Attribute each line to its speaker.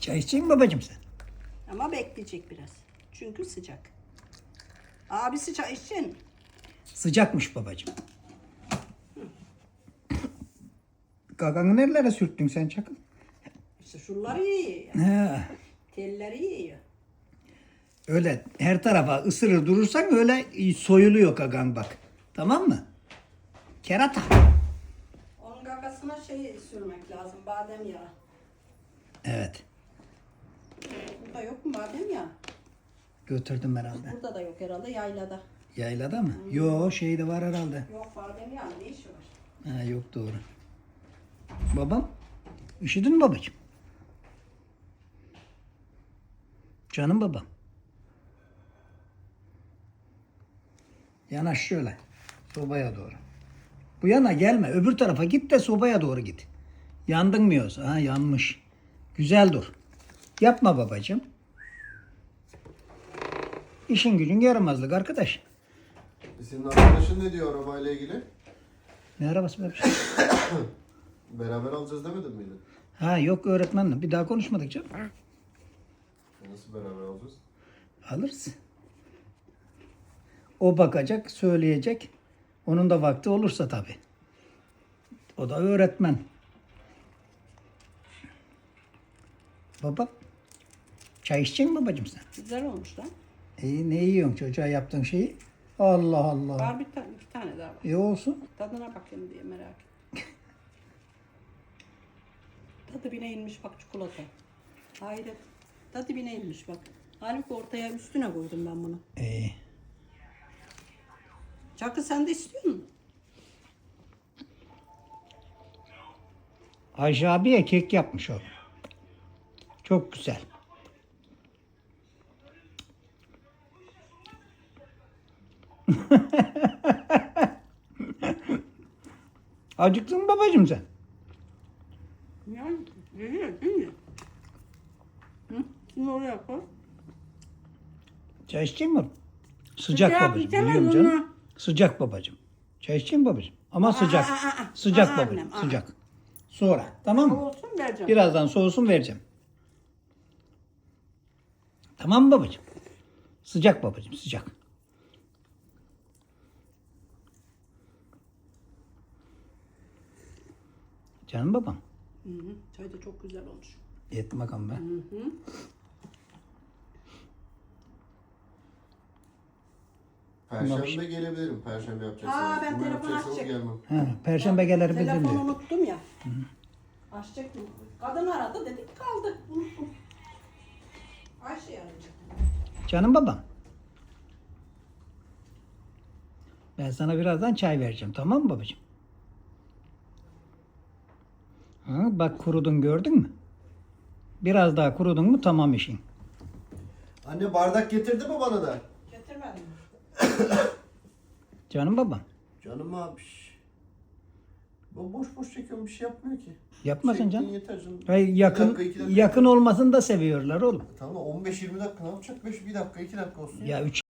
Speaker 1: Çay içecek mi babacığım sen?
Speaker 2: Ama bekleyecek biraz. Çünkü sıcak. Abisi çay içsin.
Speaker 1: Sıcakmış babacığım. Gaganı nerelere sürttün sen Çakıl?
Speaker 2: İşte şunları yiyor.
Speaker 1: He.
Speaker 2: Telleri yiyor.
Speaker 1: Öyle her tarafa ısırır durursan öyle soyuluyor gagan bak. Tamam mı? Kerata.
Speaker 2: Onun gagasına şey sürmek lazım. Badem yağı.
Speaker 1: Evet.
Speaker 2: Burada yok mu badem yağı?
Speaker 1: Götürdüm herhalde.
Speaker 2: Burada da yok herhalde, yaylada.
Speaker 1: Yaylada mı? Yo şeyde var herhalde.
Speaker 2: Yok badem yağı, ne işi var?
Speaker 1: Ha, yok doğru. Babam? Üşüdün mü babacığım? Canım babam. Yanaş şöyle. Sobaya doğru. Bu yana gelme. Öbür tarafa git de sobaya doğru git. Yandın mı yoksa? Ha yanmış. Güzel dur. Yapma babacığım. İşin gücün yaramazlık arkadaş.
Speaker 3: Senin arkadaşın ne diyor arabayla ilgili?
Speaker 1: Ne arabası böyle bir şey?
Speaker 3: Beraber alacağız demedin miydi?
Speaker 1: Ha yok öğretmenle. Bir daha konuşmadık canım.
Speaker 3: Nasıl beraber alacağız?
Speaker 1: Alırız. O bakacak, söyleyecek. Onun da vakti olursa tabii. O da öğretmen. Baba, çay içecek misin babacığım sen?
Speaker 2: Güzel olmuş lan.
Speaker 1: Ne yiyorsun çocuğa yaptığın şeyi? Allah Allah.
Speaker 2: Var bir tane daha var.
Speaker 1: İyi olsun.
Speaker 2: Tadına bakayım diye merak ettim. Tadı bine inmiş bak çikolata. Hayret. Tadı bine inmiş bak. Halbuki ortaya üstüne koydum ben bunu.
Speaker 1: İyi.
Speaker 2: Çakı sen de istiyor musun?
Speaker 1: Ayşe abiye kek yapmış o. Çok güzel. Acıktın mı babacığım sen?
Speaker 2: Yani değil mi? Hı? Şimdi oraya koy.
Speaker 1: Çay içecek mi? Sıcak
Speaker 2: Sıcak
Speaker 1: babacığım.
Speaker 2: içemem
Speaker 1: Biliyorum canım.
Speaker 2: onu.
Speaker 1: Sıcak babacığım. Çay içecek mi babacığım? Ama sıcak.
Speaker 2: aa.
Speaker 1: Sıcak
Speaker 2: Aa,
Speaker 1: babacığım.
Speaker 2: annem, aa.
Speaker 1: Sıcak. Sonra. Tamam mı?
Speaker 2: Olsun vereceğim.
Speaker 1: Birazdan soğusun vereceğim. Tamam mı babacığım? Sıcak babacığım. Sıcak. Canım babam.
Speaker 2: Hı hı. Çay da çok güzel olmuş.
Speaker 1: Yedim bakalım be.
Speaker 3: Perşembe gelebilirim. Perşembe yapacaksanız.
Speaker 2: Aa, ben
Speaker 3: Cuma
Speaker 2: telefon
Speaker 3: yapacaksanız
Speaker 2: açacağım.
Speaker 3: gelmem.
Speaker 1: Ha, Perşembe gelir bizim
Speaker 2: Telefonu
Speaker 1: diyor.
Speaker 2: unuttum ya. Açacak mı? Kadın aradı dedik kaldı. Unuttum. Ayşe arayacak.
Speaker 1: Canım babam. Ben sana birazdan çay vereceğim. Tamam mı babacığım? Ha, bak kurudun gördün mü? Biraz daha kurudun mu tamam işin.
Speaker 3: Anne bardak getirdi mi bana da?
Speaker 2: Getirmedim.
Speaker 1: Canım babam.
Speaker 3: Canım abi. Bu boş boş çekiyorum bir şey yapmıyor ki.
Speaker 1: Yapmasın
Speaker 3: Çektin
Speaker 1: canım.
Speaker 3: yeter canım.
Speaker 1: Hayır,
Speaker 3: Bir
Speaker 1: yakın
Speaker 3: dakika, 2 dakika.
Speaker 1: yakın olmasını da seviyorlar oğlum.
Speaker 3: Tamam 15-20 dakika ne yapacak? Bir dakika 2 dakika olsun.
Speaker 1: Ya 3